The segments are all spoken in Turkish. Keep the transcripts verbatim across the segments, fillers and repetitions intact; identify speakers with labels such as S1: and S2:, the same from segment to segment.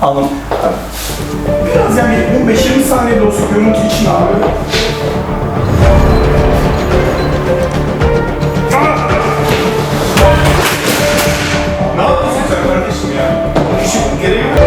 S1: Alın. Biraz yani on beş yirmi saniye de olsa görüntü için abi. Ne yapıyorsun sen kardeşim ya? Şu gereği yok.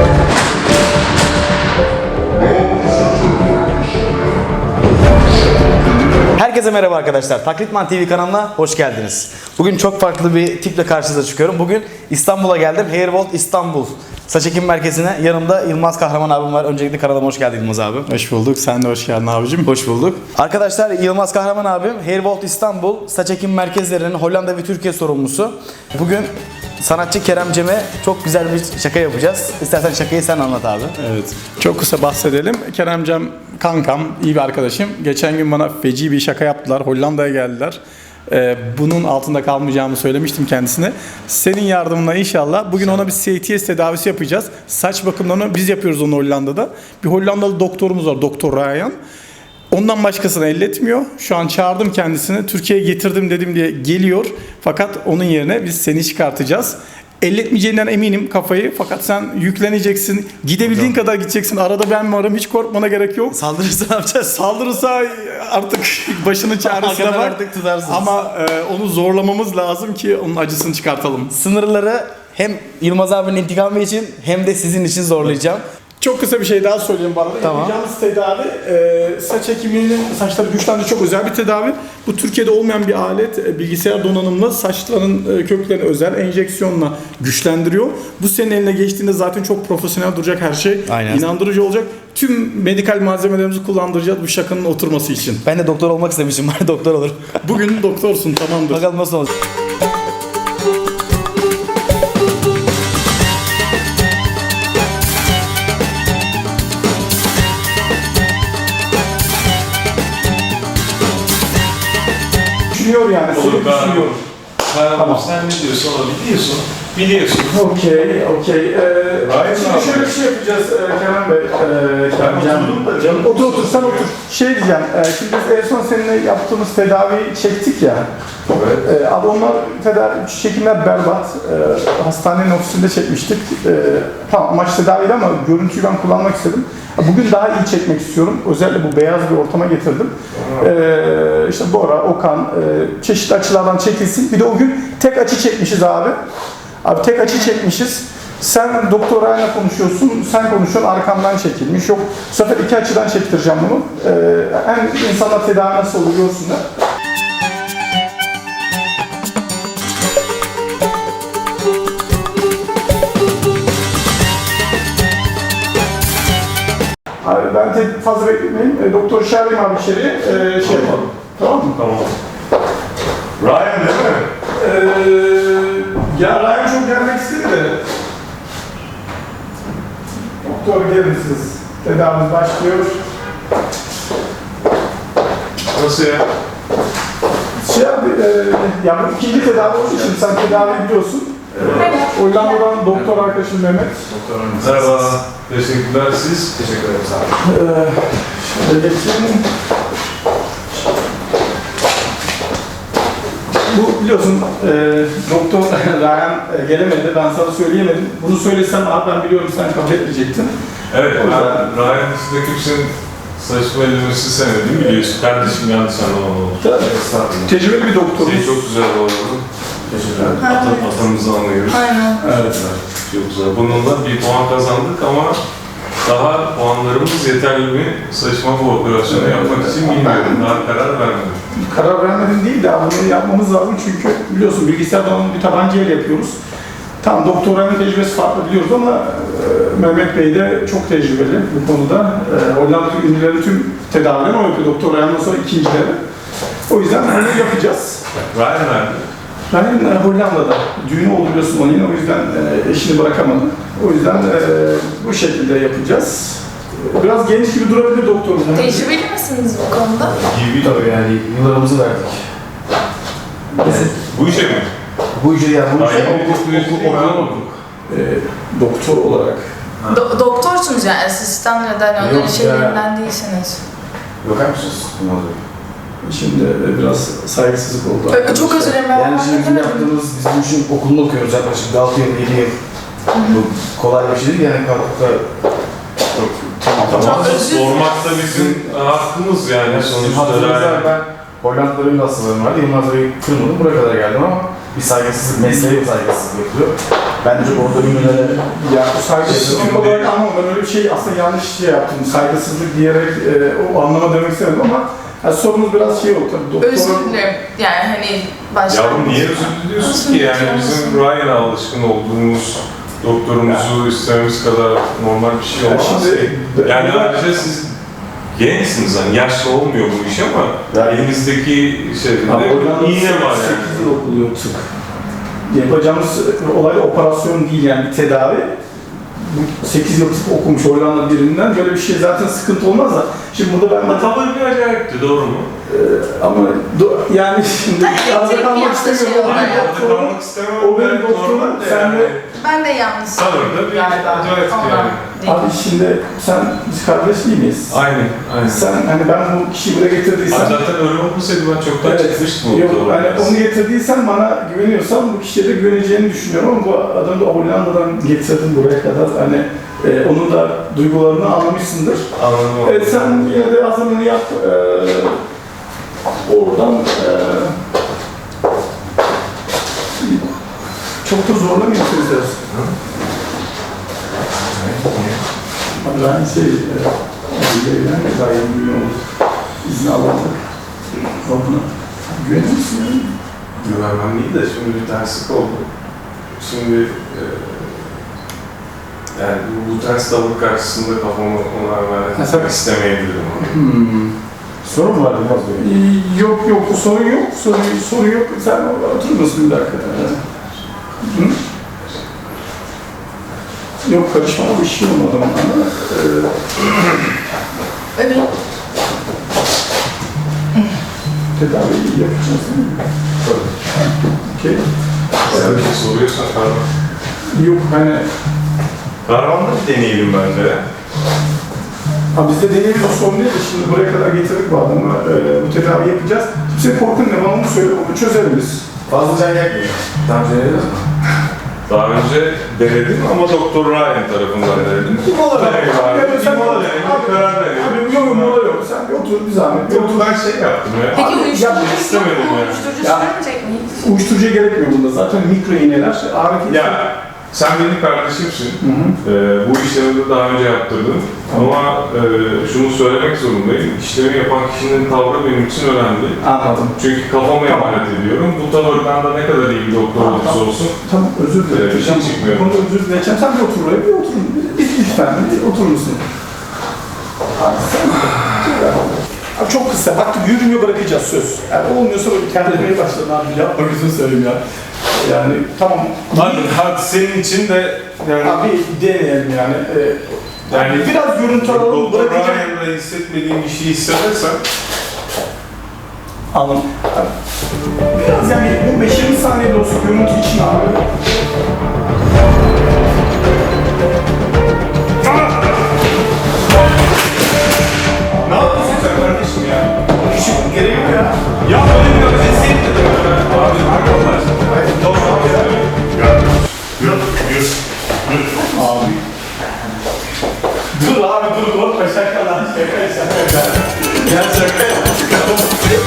S2: Herkese merhaba arkadaşlar. Taklitman T V kanalına hoş geldiniz. Bugün çok farklı bir tiple karşınıza çıkıyorum. Bugün İstanbul'a geldim. Hairvolt İstanbul saç ekim merkezine. Yanımda Yılmaz Kahraman abim var. Öncelikle kanalıma hoş geldin Yılmaz abi.
S1: Hoş bulduk. Sen de hoş geldin abicim.
S2: Hoş bulduk. Arkadaşlar Yılmaz Kahraman abim Hairvolt İstanbul saç ekim merkezlerinin Hollanda ve Türkiye sorumlusu. Bugün sanatçı Kerem Cem'e çok güzel bir şaka yapacağız. İstersen şakayı sen anlat abi.
S1: Evet. Çok kısa bahsedelim. Keremcem kankam, iyi bir arkadaşım. Geçen gün bana feci bir şaka yaptılar. Hollanda'ya geldiler. Ee, bunun altında kalmayacağımı söylemiştim kendisine. Senin yardımınla inşallah bugün ona bir C T S tedavisi yapacağız. Saç bakımlarını biz yapıyoruz onu Hollanda'da. Bir Hollandalı doktorumuz var, Doktor Ryan. Ondan başkasını elletmiyor. Şu an çağırdım kendisini. Türkiye'ye getirdim dedim diye geliyor. Fakat onun yerine biz seni çıkartacağız. Elletmeyeceğinden eminim kafayı. Fakat sen yükleneceksin. Gidebildiğin Hocam. kadar gideceksin. Arada ben varım. Hiç korkmana gerek yok.
S2: Saldırırsa ne yapacağız?
S1: Saldırırsa artık başının çaresine bak.
S2: Artık tutarsınız.
S1: Ama e, onu zorlamamız lazım ki onun acısını çıkartalım.
S2: Sınırları hem Yılmaz abinin intikamı için hem de sizin için zorlayacağım.
S1: Çok kısa bir şey daha söyleyeyim bana.
S2: Tamam.
S1: Yapacağımız tedavi e, saç ekiminin saçları güçlendi, çok özel bir tedavi. Bu Türkiye'de olmayan bir alet. E, bilgisayar donanımlı saçların e, köklerini özel enjeksiyonla güçlendiriyor. Bu senin eline geçtiğinde zaten çok profesyonel duracak her şey.
S2: Aynen.
S1: İnandırıcı olacak. Tüm medikal malzemelerimizi kullandıracağız bu şakanın oturması için.
S2: Ben de doktor olmak istemişim. Bari doktor olurum.
S1: Bugün doktorsun, tamamdır.
S2: Bakalım nasıl olacak.
S1: Düşünüyor yani.
S3: Olur, ben-
S1: Düşünüyor.
S3: Tamam.
S1: Tamam.
S3: Sen ne diyorsun onu biliyorsun. Biliyorsun.
S1: Okey, okey. Ee,
S3: Gayet
S1: şimdi
S3: iyi.
S1: şöyle bir şey yapacağız e, Kerem Bey. E, Kerem
S3: Ben oturdum da canım.
S1: Otur otur, sen otur. Şey diyeceğim, e, şimdi biz en son seninle yaptığımız tedaviyi çektik ya.
S3: Evet.
S1: E, abi onlar tedavi, çekimler berbat. E, hastanenin ofisinde çekmiştik. E, tamam amaç tedaviydi ama görüntüyü ben kullanmak istedim. Bugün daha iyi çekmek istiyorum. Özellikle bu beyaz bir ortama getirdim. Ee, işte Bora, Okan, e, çeşitli açılardan çekilsin. Bir de o gün tek açı çekmişiz abi. Abi tek açı çekmişiz. Sen Doktor Ryan'la konuşuyorsun, sen konuşuyorsun, arkamdan çekilmiş. Yok, bu sefer iki açıdan çektireceğim bunu. Ee, hem insanlar tedavi nasıl olur görsünler. Abi ben tek fazla bekletmeyeyim. E, doktor çağırayım abi içeri. E, şey yapalım. Tamam mı?
S3: Tamam. Ryan değil mi?
S1: Ee, ya Ryan çok gelmek istedi de. Doktor gelin siz. Tedavimiz başlıyor.
S3: Nasıl ya?
S1: Şey abi, e, ya bu ikinci tedavi olduğu için sen tedavi biliyorsun.
S3: Evet.
S1: Hollanda'dan doktor arkadaşım Mehmet.
S3: Merhaba. Teşekkürler siz. Teşekkür ederim sağ olun.
S1: Ee, şöyle geçelim. Bu biliyorsun e, Doktor Ryan e, gelemedi, ben sana söyleyemedim. Bunu söylesem abi ben biliyorum sen kabul etmeyecektin.
S3: Evet,
S1: O yüzden-
S3: ben Ryan dışında kimsenin saçma ellemesi sevmediğimi biliyorsun. Kardeşim yanlış anlamalı oldu.
S1: Tabii.
S3: Estağfurullah.
S1: Tecrübeli bir doktoruz.
S3: Senin çok güzel bu arada. Teşekkürler. Ata, atamızı anlıyoruz.
S4: Aynen.
S3: Evet. Çok güzel. Bununla bir puan kazandık ama daha puanlarımız yeterli mi saçma bu operasyonu yapmak için bilmiyorum. Daha karar vermedim.
S1: Karar vermedim değil de bunu yapmamız lazım çünkü biliyorsun bilgisayar donanımlı bir tabancayla yapıyoruz. Tamam Doktor Ryan'ın tecrübesi farklı biliyoruz ama e, Mehmet Bey de çok tecrübeli bu konuda. E, Hollanda'daki ünlülerin tüm tedavilerini o yapıyor. Doktor Ryan'dan sonra ikincileri. O yüzden bunu yapacağız.
S3: Ryan nerede?
S1: Ryan e, Hollanda'da. Düğünü oldu biliyorsun onun yine o yüzden e, eşini bırakamadı. O yüzden e, bu şekilde yapacağız. Biraz genç gibi durabilir doktorumuz.
S4: Tecrübeli misiniz bu konuda?
S3: Gibi
S5: Tabii yani yıllarımızı verdik. Yani
S3: bu işe mi?
S5: bu işi yani bu işi
S3: Hayır,
S5: okul,
S3: okul-
S5: okul,
S3: okul-
S5: okul, okul.
S1: E, doktor olarak.
S4: Do- doktorsunuz yani asistan ya da hani onların
S5: Yok ya.
S4: şeylerinden değilsiniz.
S5: Bakar mısınız? Ne oluyor?
S1: Şimdi e, biraz saygısızlık oldu.
S4: Ö- Çok özür dilerim. ben
S5: Yani şimdi bizim
S4: anlamadım.
S5: yaptığımız, biz bu işin okulunu okuyoruz yaklaşık altı yıl, yedi yıl.
S2: Bu kolay bir şey değil yani kalkıp da
S3: Tamam,
S4: Çok özür
S3: sormak da bizim hakkımız yani sonuçta.
S2: hatırlarsanız
S3: Yani.
S2: ben Hollanda'da benim de hastalarım vardı. Yılmaz Bey'i kırmadım, buraya kadar geldim ama bir saygısızlık, mesleğe bir saygısızlık yapılıyor. Ben de çok orada ünlülere
S1: Ya bu saygısızlık olarak ama ben öyle bir şey aslında yanlış şey yaptım. Saygısızlık diyerek e, o anlama demek istemedim ama yani sorunuz biraz şey oldu tabii. Doktor,
S4: Özür dilerim. Yani hani başta...
S3: Yavrum niye özür diliyorsun ki? Yani bizim Ryan'a alışkın olduğumuz doktorumuzu istememiz kadar normal bir şey
S1: Ya
S3: olmaz.
S1: şimdi-
S3: yani ayrıca siz gençsiniz hani yaşlı olmuyor bu iş ama
S2: Ya-
S3: elinizdeki şeyde
S1: Abi oradan
S3: iğne var
S1: sekiz
S3: yani.
S1: yıl okuluyor tıp. Yapacağımız olay operasyon değil yani bir tedavi. Bu sekiz yıl tıp okumuş Hollanda birinden böyle bir şey zaten sıkıntı olmaz da. Şimdi burada ben
S3: Ama
S1: de
S3: tavır bir acayipti, doğru mu?
S1: ama do- yani şimdi arada
S4: tek bir
S1: kalmak
S4: yanlış
S1: istemiyorum.
S4: şey
S1: O benim
S4: oldu.
S1: doktorum.
S3: kalmak istemem.
S1: O benim
S3: Evet,
S1: doktorum,
S3: normal de
S1: sen
S3: yani.
S1: de-
S4: Ben de yanlış.
S3: Tavır da bir acayip yani.
S1: Abi şimdi sen biz kardeş değil miyiz?
S3: Aynen, aynen.
S1: Sen hani ben bu kişiyi buraya getirdiysen
S3: Abi zaten öyle olmasaydı ben çoktan
S1: Evet.
S3: çıkmıştım o
S1: Yok,
S3: tavırdan.
S1: hani onu getirdiysen bana güveniyorsan bu kişiye de güveneceğini düşünüyorum ama bu adamı da Hollanda'dan getirdim buraya kadar hani e, onun da duygularını anlamışsındır.
S3: Anladım.
S1: Evet sen yine de hazırlığını yap. E, oradan e, çok da zorlamayın sizler. Abi ben şey, e, yani gayet milyon olur. İzni alamadık. Buna güvenir misin yani?
S3: Güvenmem değil de şimdi bir terslik oldu. Şimdi e, yani bu, bu ters tavır karşısında kafamı ona
S1: Ha,
S3: vermek
S1: sen-
S3: istemeyebilirim.
S1: Hmm.
S2: sorun var Yılmaz Bey.
S1: Ee, Yok yok bu sorun yok. Sorun, sorun yok. Sen oturur musun bir dakika? Hı? Yok karışma bu işi olmadı ama. Ee,
S4: Evet.
S1: tedaviyi yapacağız değil mi? Okey.
S3: Sen bir şey soruyorsan Kahraman.
S1: Yok hani
S3: Kahraman'da bir deneyelim bence.
S1: ha biz de deneyelim o sorun değil de şimdi buraya kadar getirdik bu adamı. Ee, bu tedavi yapacağız. Kimse korkun ne bana onu söyle onu çözeriz.
S2: Fazla can yakmıyor. Daha önce denediniz mi?
S3: Daha önce denedim ama Doktor Ryan tarafından denedim.
S1: Bir mola ver.
S3: Deneyim abi.
S1: Ya sen-
S3: Bir mola denedim,
S1: Abi-
S3: karar verelim.
S1: Abi yok yok mola yok. Sen bir otur bir zahmet. Bir
S3: Yok
S1: otur.
S3: ben şey yaptım ya.
S4: Peki
S1: Abi,
S4: uyuşturucu
S1: yapmak
S4: yok
S3: istemedim
S4: mu?
S3: yani.
S4: Uyuşturucu
S1: Ya.
S4: sürmeyecek miyiz?
S1: Uyuşturucuya gerekmiyor bunda. Zaten mikro iğneler. Ağrı
S3: Ya sen benim kardeşimsin.
S1: Hı hı.
S3: Ee, bu işlemi de daha önce yaptırdım. Ama e, şunu söylemek zorundayım. İşlemi yapan kişinin tavrı benim için önemli.
S1: Anladım.
S3: Çünkü kafama
S1: Tamam.
S3: emanet ediyorum. Bu tavırdan da ne kadar iyi bir doktor
S1: Tamam,
S3: olursa
S1: tamam.
S3: olsun.
S1: Tamam özür dilerim.
S3: Ee, bir şey çıkmıyor.
S1: Bu konuda özür dileyeceğim. Sen bir otur buraya. Bir otur. Bir, lütfen bir oturur musun? Abi sen... Abi çok kısa. Bak yürümüyor bırakacağız söz. Yani olmuyorsa böyle terlemeye başladın abi. Yapma gözünü söyleyeyim ya. Yani tamam.
S3: Hadi, hadi senin için de yani,
S1: Abi deneyelim yani. Ee,
S3: yani
S1: biraz görüntü alalım
S3: Doktor
S1: bırakacağım.
S3: Ryan'da hissetmediğim bir şey hissedersen
S1: Anladım. Abi, biraz yani on beş yirmi saniye de olsa görüntü için abi.
S3: ne yapıyorsun sen kardeşim ya?
S1: İşi gereği yok ya.
S3: Ya böyle bir özetsin dedim. Abi arkadaşlar. Tamam ya. Yürü, yürü, yürü.
S1: Abi. Dur abi dur korkma şaka lan şaka şaka. Ya şaka ya.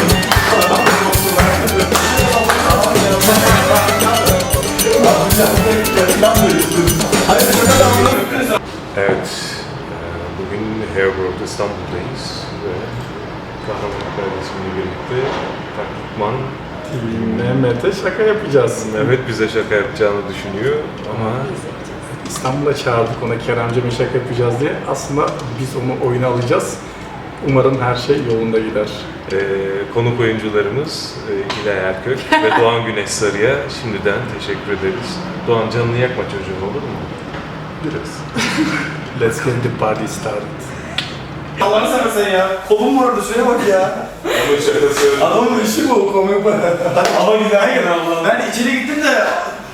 S3: Evet, e, bugün Hairworld İstanbul'dayız ve Kahraman kardeşimle birlikte taklitman
S1: Mehmet'e şaka yapacağız.
S3: Mehmet bize şaka yapacağını düşünüyor ama
S1: İstanbul'a çağırdık ona Keremcem'e şaka yapacağız diye. Aslında biz onu oyuna alacağız. Umarım her şey yolunda gider.
S3: e, konuk oyuncularımız e, İlay Erkök ve Doğan Güneş Sarı'ya şimdiden teşekkür ederiz. Doğan canını yakma çocuğum olur mu?
S1: Biraz. Let's get the party started.
S2: Allah'ını seversen ya. Kolum vardı şuraya bak ya.
S3: Ama şakası
S2: Adamın işi bu komik bu.
S3: ama güzel gene Allah'ım.
S2: Ben içeri gittim de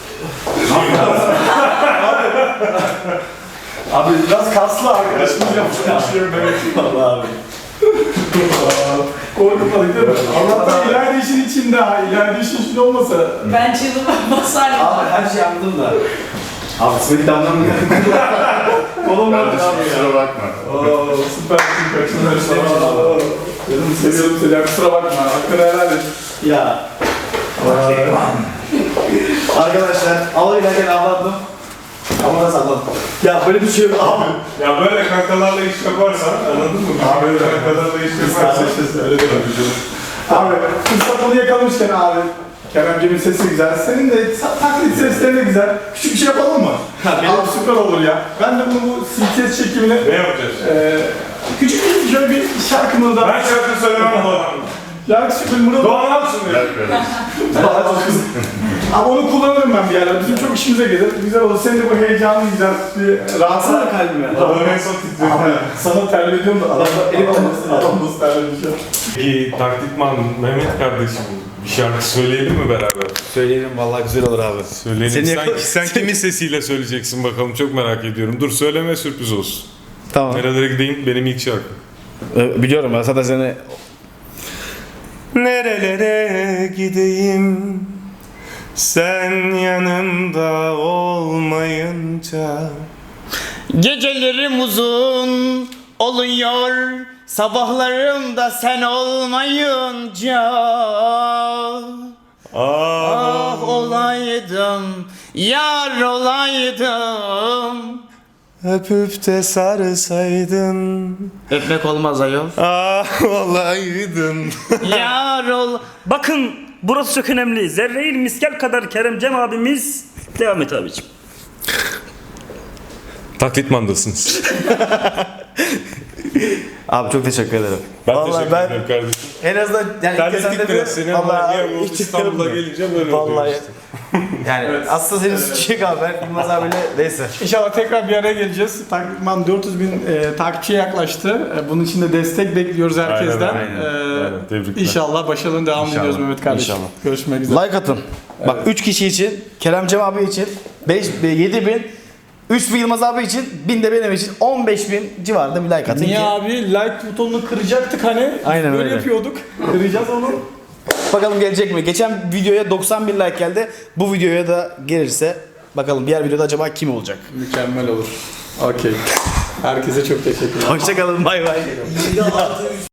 S1: Abi biraz kaslı arkadaşımız yapmış. Başlıyorum ben.
S2: Allah abi.
S1: Korkutmadık değil mi? Allah'tan ileride işin içinde ha. İleride işin içinde olmasa.
S4: Ben çığlığa basarım.
S2: Abi her şey anladım da. Abi Smith damdan mı geldi?
S1: Oğlum var
S5: Kardeşim
S1: abi ya.
S5: kusura bakma.
S1: Oo süpersin kaçınlar. Dedim seviyorum seni ya, kusura bakma. Hakkını helal et.
S2: Ya. Arkadaşlar avlayla avladım. Ama da salladım. Ya böyle bir şey yok abi.
S3: Ya böyle kankalarla iş yaparsan anladın mı? Abi böyle kankalarla iş yaparsan öyle de yapacağım.
S1: Abi fırsat bunu yakalamışken abi. Keremcimin sesi güzel. Senin de sa- taklit sesleri de güzel. Küçük bir şey yapalım mı? Abi süper olur ya. Ben de bunu bu C T S çekimine
S3: Ne yapacağız?
S1: eee küçük bir şöyle bir şarkımı da
S3: Ben şarkı söylemem bu adamla.
S1: şarkı şarkı
S3: Doğan Alsın diyor.
S5: Ver böyle.
S1: Ama onu kullanırım ben bir yerlerde. Bizim çok işimize gelir. Güzel olur. Senin de bu heyecanlı güzel bir rahatsız
S2: Atsana kalbime.
S3: Adam en son titriyor.
S1: sana terlediyorum da adam
S2: elim
S1: adam
S2: olmasın.
S1: adam nasıl terlemiş ya.
S3: Peki taklitman Mehmet kardeşim bir şarkı söyleyelim mi beraber?
S2: Söyleyelim vallahi güzel olur abi.
S3: Söyleyelim.
S2: Seni
S3: sen,
S2: yakala-
S3: sen kimin sesiyle söyleyeceksin bakalım çok merak ediyorum. Dur söyleme sürpriz olsun.
S2: Tamam.
S3: Nerelere gideyim benim ilk şarkım.
S2: Ee, biliyorum ben zaten seni...
S3: Nerelere gideyim sen yanımda olmayınca.
S6: Gecelerim uzun oluyor, sabahlarım da sen olmayınca. Ah olaydım, yar olaydım.
S3: Öpüp de sarsaydın.
S6: Öpmek olmaz ayol.
S3: Ah olaydın.
S6: Yar ol...
S7: Bakın burası çok önemli. Zerreil miskel kadar Keremcem abimiz. Devam et abicim.
S3: Taklitmandasınız.
S2: Abi çok teşekkür ederim.
S3: Ben
S2: Vallahi
S3: teşekkür
S2: ben
S3: ederim kardeşim.
S2: en azından yani ilk kez
S3: Terlettik
S2: sende
S3: biraz
S2: de-
S3: seni ama
S2: Vallahi
S3: niye bu
S2: ilk kez
S3: İstanbul'a
S2: yapıyorum.
S3: gelince böyle oluyor
S2: Vallahi
S3: işte.
S2: yani aslında senin suçu yok abi. Ben Yılmaz abiyle neyse.
S1: İnşallah tekrar bir araya geleceğiz. Takipman dört yüz bin e, takipçiye yaklaştı. E, bunun için de destek bekliyoruz herkesten.
S3: Aynen, aynen.
S1: E,
S3: Aynen, tebrikler.
S1: İnşallah başarılı devam
S2: İnşallah.
S1: ediyoruz Mehmet kardeşim.
S2: İnşallah.
S1: Görüşmek üzere.
S2: Like atın. Bak üç kişi için, Keremcem abi için beş, yedi bin, üç bin Yılmaz abi için, bin de benim için on beş bin civarında bir like atın
S1: Niye
S2: ki.
S1: abi? Like butonunu kıracaktık hani.
S2: Aynen
S1: Böyle
S2: öyle.
S1: yapıyorduk. Kıracağız onu.
S2: Bakalım gelecek mi? Geçen videoya doksan bin like geldi. Bu videoya da gelirse bakalım diğer videoda acaba kim olacak?
S1: Mükemmel olur. Okey. Herkese çok teşekkürler.
S2: Hoşçakalın bay bay.